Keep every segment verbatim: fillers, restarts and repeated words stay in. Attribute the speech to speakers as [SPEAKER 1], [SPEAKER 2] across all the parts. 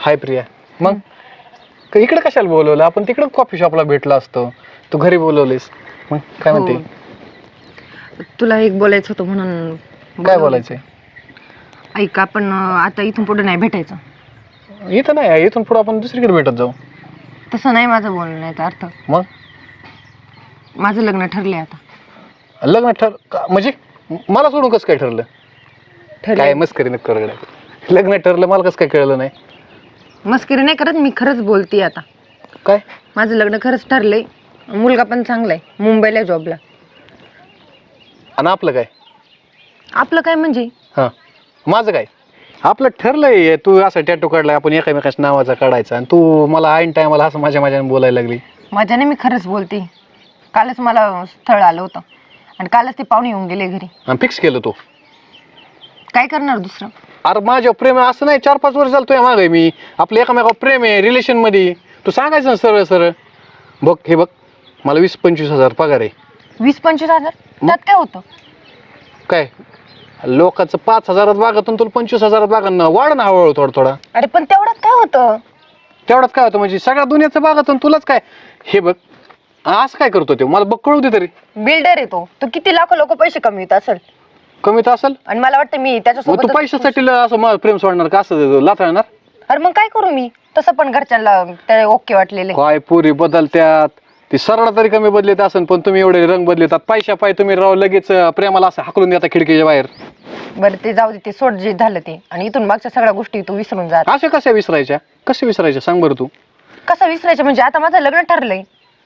[SPEAKER 1] हाय प्रिया. मग क- इकडे कशाला बोलवलं? आपण तिकडे कॉफी शॉपला भेटलो असतो. तू घरी बोलवलीस. मग काय
[SPEAKER 2] हो.
[SPEAKER 1] म्हणते?
[SPEAKER 2] तुला एक बोलायचं होतं म्हणून
[SPEAKER 1] काय
[SPEAKER 2] बोलवलं.
[SPEAKER 1] बोलायचंय?
[SPEAKER 2] ऐक, आपण अं, आता इथून पुढे नाही भेटायचं.
[SPEAKER 1] इथं नाही, इथून पुढे आपण दुसरीकडे भेटत जाऊ.
[SPEAKER 2] तसं नाही माझं बोलण्याचा अर्थ.
[SPEAKER 1] मग
[SPEAKER 2] माझं लग्न ठरलंय आता.
[SPEAKER 1] लग्न ठर का- म्हणजे मला सोडून कसं काय ठरलं? काय
[SPEAKER 2] ठरलंय.
[SPEAKER 1] मस्करी नक्की करू गड्या. लग्न ठरलं, मला कसं काय कळलं नाही?
[SPEAKER 2] मस्करी नाही करत, मी खरंच बोलते आता.
[SPEAKER 1] काय?
[SPEAKER 2] माझं लग्न खरंच ठरलंय. मुलगा पण चांगला आहे, मुंबईला जॉबला.
[SPEAKER 1] आणि आपलं काय?
[SPEAKER 2] आपलं काय म्हणजे?
[SPEAKER 1] हां, माझं काय? आपलं ठरलंय, तू असं टॅटू काढलाय, आपण एकामेकाच्या नावाचा काढायचा, आणि तू मला ऐन टायमाला असं माझ्या माझ्याने बोलायला लागली.
[SPEAKER 2] माझ्याने मी खरंच बोलते. कालच मला स्थळ आलं होतं आणि कालच ते पाहुणे येऊन गेले घरी.
[SPEAKER 1] आणि फिक्स केलं तू?
[SPEAKER 2] काय करणार दुसरं?
[SPEAKER 1] अरे माझ्यावर प्रेम आहे असं नाही, चार पाच वर्ष झालं तुझ्या मागे मी. आपलं एकामेकावर प्रेम आहे रिलेशन मध्ये. तू सांगायचं ना सरळ सरळ. बघ हे बघ, मला वीस पंचवीस हजार पगार आहे.
[SPEAKER 2] वीस पंचवीस हजार त्यात काय होतं?
[SPEAKER 1] काय लोकांचं पाच हजारात बागातून तुला पंचवीस हजारात बागान वाढ ना हळूहळू थोडा थोडा.
[SPEAKER 2] अरे पण तेवढ्यात काय होतं?
[SPEAKER 1] तेवढ्यात काय होतं म्हणजे सगळ्या दुनियाचं बागातून तुलाच काय? हे बघ असं काय करतो ते, मला बघ कळू दे तरी.
[SPEAKER 2] बिल्डर आहे तो तो किती लाखो लोक पैसे कमवित असेल,
[SPEAKER 1] कमी तर असेल.
[SPEAKER 2] आणि मला वाटतं मी
[SPEAKER 1] मग तू
[SPEAKER 2] त्याच्यासोबत.
[SPEAKER 1] पैशासाठी ल- असं मला प्रेम सोडणार का? असं लाथाळणार?
[SPEAKER 2] अरे मग काय करू मी? तसं पण घरच्यांना त्या ओके वाटलेले.
[SPEAKER 1] काय पुरी बदलत्यात, ती सरळ तरी कमी बदलत असेल, पण तुम्ही एवढे रंग बदलतात. पैशा पाय तुम्ही राव लगेच अं, प्रेमाला असं हाकलून देता खिडकीच्या बाहेर.
[SPEAKER 2] बरं ते जाऊ दे, ते सोड जे झालं ते, आणि इथून मागच्या सगळ्या गोष्टी तू विसरून जा.
[SPEAKER 1] अशा कशा विसरायच्या? कशा विसरायच्या सांग बरं तू.
[SPEAKER 2] कसं विसरायचं म्हणजे? आता माझं लग्न ठरलंय.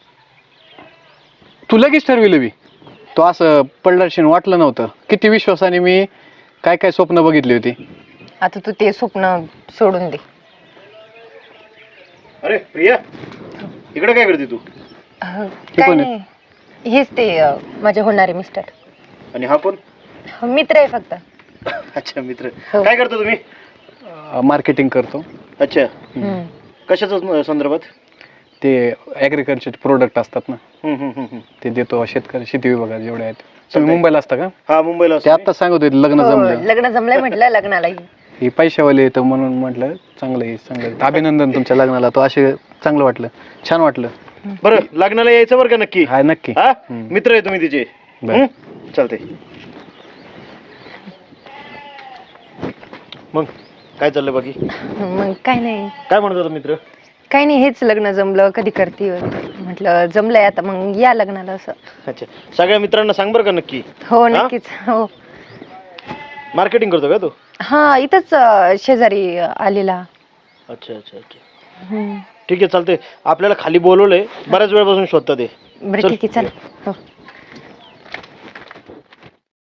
[SPEAKER 1] तू लगेच ठरविलं बी. तो असं पडलाशीन वाटलं नव्हतं. किती विश्वासाने मी काय काय स्वप्न बघितली होती.
[SPEAKER 2] आता तू ते स्वप्न सोडून दे.
[SPEAKER 3] अरे प्रिया, इकडे काय करते तू?
[SPEAKER 2] अह, काय
[SPEAKER 1] कोण आहे?
[SPEAKER 2] नाही, हेच ते अह, माझे होणारे मिस्टर.
[SPEAKER 3] आणि हा कोण?
[SPEAKER 2] मित्र आहे फक्त.
[SPEAKER 3] अच्छा मित्र.
[SPEAKER 2] हो.
[SPEAKER 3] काय करतो तुम्ही?
[SPEAKER 1] मार्केटिंग करतो.
[SPEAKER 3] अच्छा,
[SPEAKER 2] हम्म.
[SPEAKER 3] कशाच संदर्भात?
[SPEAKER 1] ते ॲग्रिकल्चरचे प्रोडक्ट असतात ना,
[SPEAKER 3] हम्म, हम्म, हम्म, हम्म.
[SPEAKER 1] ते देतो शेतकरी शेती विभागात जेवढे आहेत. तुम्ही
[SPEAKER 3] चालतंय.
[SPEAKER 1] मुंबईला असता का?
[SPEAKER 3] हा मुंबईला
[SPEAKER 1] ते
[SPEAKER 3] असतो मी.
[SPEAKER 1] आता सांगत होते लग्न
[SPEAKER 2] हो,
[SPEAKER 1] जमलं.
[SPEAKER 2] लग्न जमलंय म्हटलं लग्नाला.
[SPEAKER 1] ही पैशावाले येतं म्हणून म्हटलं चांगलं आहे चांगलं. अभिनंदन तुमच्या लग्नाला. तो असे चांगलं वाटलं, छान वाटलं.
[SPEAKER 3] बरं लग्नाला यायचं बरं का नक्की?
[SPEAKER 1] हाय नक्की.
[SPEAKER 3] हा
[SPEAKER 1] हम्म.
[SPEAKER 3] मित्र आहे तुम्ही तिचे.
[SPEAKER 1] बरं.
[SPEAKER 3] हम्म? चालतंय. मग काय चाललंय बाकी?
[SPEAKER 2] मग काय नाही,
[SPEAKER 3] काय म्हणत होता मित्र?
[SPEAKER 2] काय नाही, हेच लग्न जमलं कधी करते म्हटलं. जमलंय आता, मग या लग्नाला असं.
[SPEAKER 3] अच्छा, सगळ्या मित्रांना सांग बरं का नक्की.
[SPEAKER 2] हो नक्कीच. हो.
[SPEAKER 3] मार्केटिंग करतो का तू?
[SPEAKER 2] हा, इथंच अह, शेजारी अह, आलेला.
[SPEAKER 3] अच्छा अच्छा अच्छा,
[SPEAKER 2] हम्म.
[SPEAKER 3] ठीक आहे चालतंय. आपल्याला खाली बोलवलंय, बऱ्याच वेळापासून शोधतात ते.
[SPEAKER 2] बरं
[SPEAKER 3] चल.
[SPEAKER 2] ठीक आहे, चल. हो.